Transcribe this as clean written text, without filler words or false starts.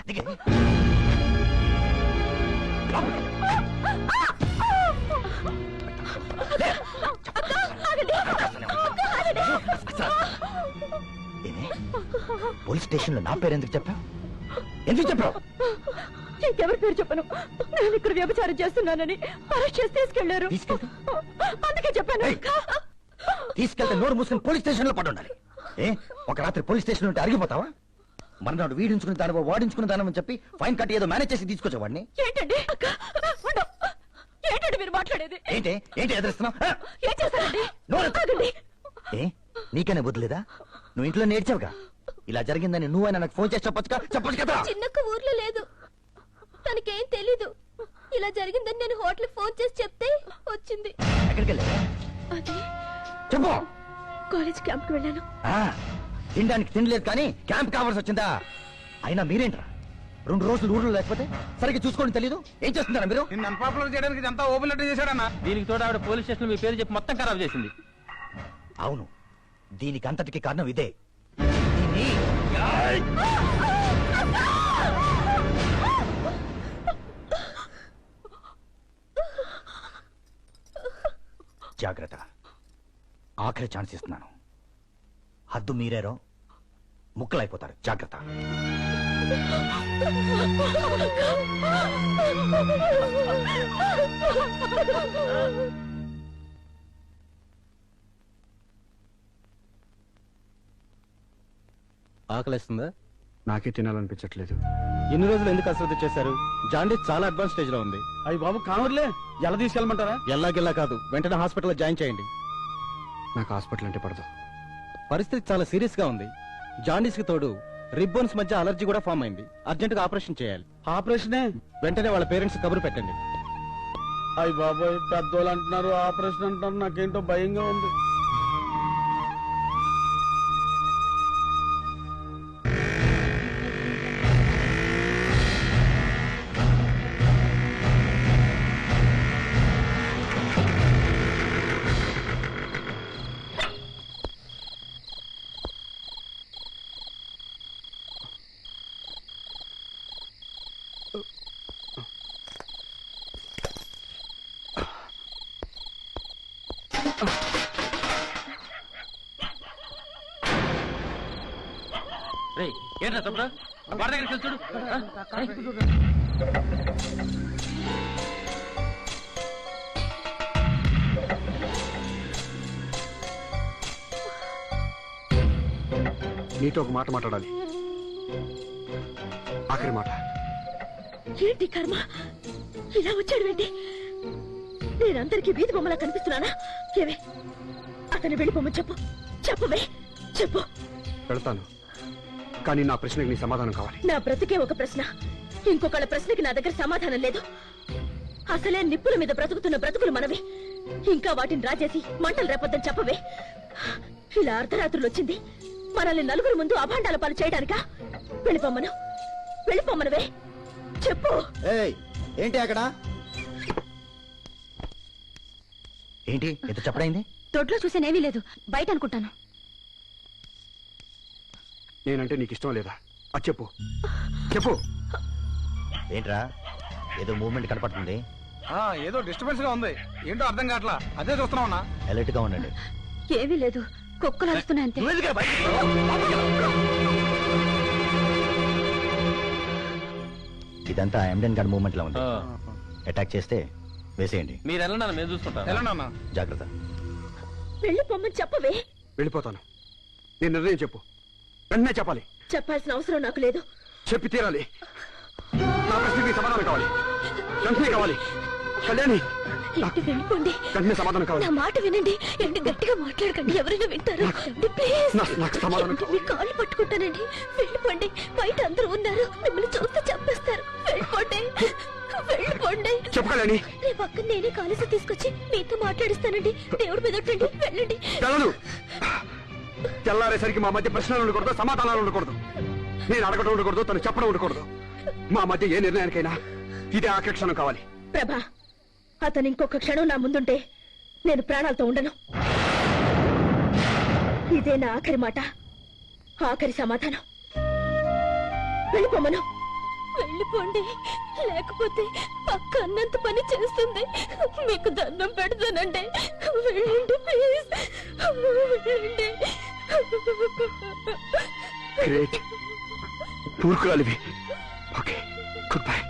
Police station లో నా పేరు ఎందుకు చెప్పావు? ఎందుకు చెప్పావు? ఇంకెవరి పేరు చెప్పను. నేను ఇక్కడ వ్యభిచారం చేస్తున్నానని అరెస్ట్ చేసి తీసుకెళ్లారు. అందుకే చెప్పాను. తీసుకెళ్తే నోరు మూసుకుని పోలీస్ స్టేషన్ లో పడి ఉండాలి. ఒక రాత్రి పోలీస్ స్టేషన్ ఉంటే అరిగిపోతావా? మర్నాడు వీడించుకుని దాని వాడించుకుని దాని చెప్పి ఫైన్ కట్టి ఏదో మేనేజ్ చేసి తీసుకొచ్చేవాడిని. ఏంటండి ఏంటండి మీరు మాట్లాడేది? ఏంటి ఏంటి ఎదురుస్తున్నావు? ఏం చేస్తారండి? నీకనే బుద్ధులేదా? నువ్వు ఇంట్లో నేర్చావుగా. ఇలా జరిగిందని నువ్వైనా నాకు ఫోన్ చేసి చెప్పొచ్చు కదా. చిన్నక్క ఊర్లో లేదు, తనకేం తెలీదు. ఇలా జరిగిందని నేను హోటల్ ఫోన్ చేసి చెప్తే వచ్చింది. ఎక్కడికి వెళ్ళా? అది చెప్పు. కాలేజ్ క్యాంప్ కి వెళ్ళాను. తినడానికి తినలేదు కానీ క్యాంప్ కావాల్సి వచ్చిందా? అయినా మీరేంట్రా 2 రోజులు ఊర్లో లేకపోతే సరిగ్గా చూసుకోండి తెలీదు. ఏం చేస్తున్నారా మీరు? అన్పాపులర్ చేయడానికి ఇదంతా ఓపెన్ లెటర్ చేశాడన్నా. దీనికి తోడు ఆవిడ పోలీస్ స్టేషన్ మీ పేరు చెప్పి మొత్తం ఖరాబ్ చేసింది. అవును, దీనికి అంతటికి కారణం ఇదే. జాగ్రత్త, ఆఖరి ఛాన్స్ ఇస్తున్నాను. హద్దు మీరేరో ముక్కలైపోతారు. జాగ్రత్త. ఆకలిస్తుందా? నాకే తినాలనిపించట్లేదు. ఎన్ని రోజులు ఎందుకు అశ్రద్ధ చేశారు? జాండీస్ చాలా అడ్వాన్స్ స్టేజ్ లో ఉంది. అయ్యి బాబు కావర్లే, ఎలా తీసుకెళ్ళమంటారా? ఎల్లాగిల్లా కాదు, వెంటనే హాస్పిటల్లో జాయిన్ చేయండి. నాకు హాస్పిటల్ అంటే పడదు. పరిస్థితి చాలా సీరియస్ గా ఉంది. జాండీస్ కి తోడు రిబ్బన్స్ మధ్య అలర్జీ కూడా ఫామ్ అయింది. అర్జెంట్ గా ఆపరేషన్ చేయాలి. ఆపరేషనే? వెంటనే వాళ్ళ పేరెంట్స్ కబురు పెట్టండి. అయ్యి బాబోయ్, పెద్దోళ్ళు అంటున్నారు, ఆపరేషన్ అంటున్నారు. నాకేంటో భయంగా ఉంది. ఏంట్రా తప్పుడు వాడి దగ్గరికి చూడు. నీతో ఒక మాట మాట్లాడాలి. ఆఖరి మాట. ఏంటి కర్మ, ఇలా వచ్చాడు ఏంటి? నేనందరికీ వీధి బొమ్మలా కనిపిస్తున్నానా? ఏవే అతను వెళ్ళిపోమని చెప్పు. చెప్పవే, చెప్పు. వెళ్తాను, కానీ నా ప్రశ్నకి నీ సమాధానం కావాలి. నా బ్రతికే ఒక ప్రశ్న, ఇంకొకళ్ళ ప్రశ్నకి నా దగ్గర సమాధానం లేదు. అసలే నిప్పుల మీద బ్రతుకుతున్న బ్రతుకులు మనవి. ఇంకా వాటిని రాజేసి మంటలు రేపొద్దని చెప్పవే. ఇలా అర్ధరాత్రులు వచ్చింది మనల్ని నలుగురు ముందు అభాండాల పాలు చేయడానికా? వెళ్ళిపోమ్మను, వెళ్ళిపోమ్మనవే, చెప్పు. ఏంటి అక్కడ? ఏంటి ఎంత చెప్పడైంది? దొడ్లో చూసేనేమీ లేదు, బయట అనుకుంటాను. నేనంటే నీకు ఇష్టం లేదా? అది చెప్పు, చెప్పు. ఏంట్రా ఏదో మూవ్మెంట్ కనపడుతుంది? ఏదో డిస్టర్బెన్స్ గా ఉంది. ఏంటో అర్థం కావట్లా. అదే చూస్తున్నావునా? అలర్ట్ గా ఉండండి. ఏమీ లేదు, కుక్కలు అరుస్తున్నాయి అంతే. ఇదంతా ఎండెన్ గార్డ్ మూవ్మెంట్ లా ఉంది. అటాక్ చేస్తే వేసేయండి. మీరు వెళ్ళండి, మేము చూసుకుంటాం. జాగ్రత్త. వెళ్ళిపోమ్మని చెప్పవే. వెళ్ళిపోతాను. నేను నిర్ణయం చెప్పు, వెంటనే చెప్పాలి. చెప్పాల్సిన అవసరం నాకు లేదు. చెప్పి తీరాలి. నా ప్రశ్నకి సమాధానం కావాలి, వెంటనే కావాలి. కళ్యాణి, ఏంటి వెళ్ళిపోండి. వెంటనే సమాధానం కావాలి. నా మాట వినండి. ఏంటి గట్టిగా మాట్లాడకండి, ఎవరైనా వింటారు. ప్లీజ్, నాకు సమాధానం మీ కాళ్ళు పట్టుకుంటానండి. వెళ్ళిపోండి, బయట అందరూ ఉన్నారు, మిమ్మల్ని చూస్తే చంపేస్తారు. వెళ్ళిపోండి, వెళ్ళిపోండి. చెప్పు కళ్యాణి. రేపు అక్కడ నేనే కాలేజీ తీసుకొచ్చి మీతో మాట్లాడిస్తానండి. దేవుడి మీద ఒట్టండి, వెళ్ళండి. తెల్లదు. తెల్లారేసరికి మా మధ్య ప్రశ్నలు ఉండకూడదు, సమాధానాలు ఉండకూడదు. నేను అడగడం ఉండకూడదు, తను చెప్పడం ఉండకూడదు. మా మధ్య ఏ నిర్ణయానికైనా ఇదే ఆఖరి క్షణం కావాలి. ప్రభా, అతను ఇంకొక క్షణం నా ముందుంటే నేను ప్రాణాలతో ఉండను. ఇదే నా ఆఖరి మాట, ఆఖరి సమాధానం. వెళ్ళిపోమను, వెళ్ళిపోండి, లేకపోతే పక్క అన్నంత పని చేస్తుంది. మీకు దండం పెడతానండి, వెళ్ళండి ప్లీజ్, వెళ్ళండి. గ్రేట్, పూర్కురాలివి. Okay, good by.